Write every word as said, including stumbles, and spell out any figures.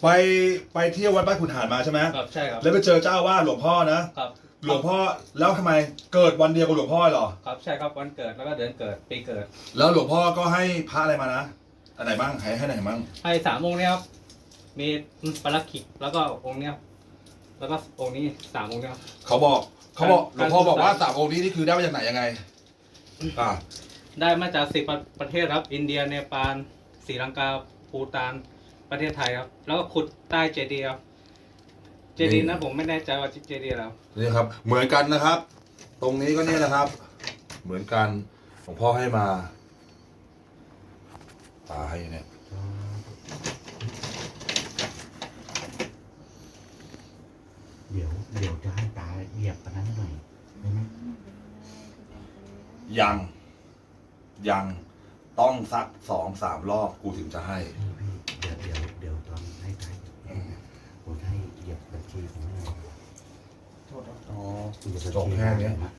ไปไปเที่ยววัดบ้านขุนหารมาใช่ไหมครับใช่ครับแล้วไปเจอเจ้าอาว่าสหลวงพ่อนะครับ หลวงพ่อแล้วทำไมเกิดวันเดียวกับหลวงพ่อเหรอครับใช่ครับวันเกิดแล้วก็เดือนเกิดปีเกิดแล้วหลวงพ่อก็ให้พระอะไรมานะอันไหนบ้างให้ให้ไหนบ้างให้สามองค์เนี้ยครับมีปารักขิกแล้วก็องค์เนี้ยครับแล้วก็องค์นี้สามองค์เนี้ยครับเขาบอกเขาบอกหลการวงพ่อบอกว่าการสามองค์นี้นี่คือได้มาจากไหนยังไงอ่าได้มาจากสิบประเทศครับอินเดียเนปาลศรีลังกาภูฏานประเทศไทยครับแล้วก็ขุดใต้เจดีย์ครับเจดีย์นั้นผมไม่แน่ใจว่าเจดีย์อะไรครับนี่ครับเหมือนกันนะครับ ตรงนี้ก็เนี่ยนะครับ เหมือนกันหลวงพ่อให้มาตาให้เนี่ยเดี๋ยวเดี๋ยวจะให้ตาเหยียบอันนั้นหน่อยได้ไหมยังยังต้องสักสองสามรอบกูถึงจะให้พี่พี่เดี๋ยวเดี๋ยวเดี๋ยวตอนให้ตาเหยียบเนี่ยผมจะให้เหยียบบัญชีผมให้หน่อยอ๋อเหยียบบัญจบชีแค่เนี้ยผมอะ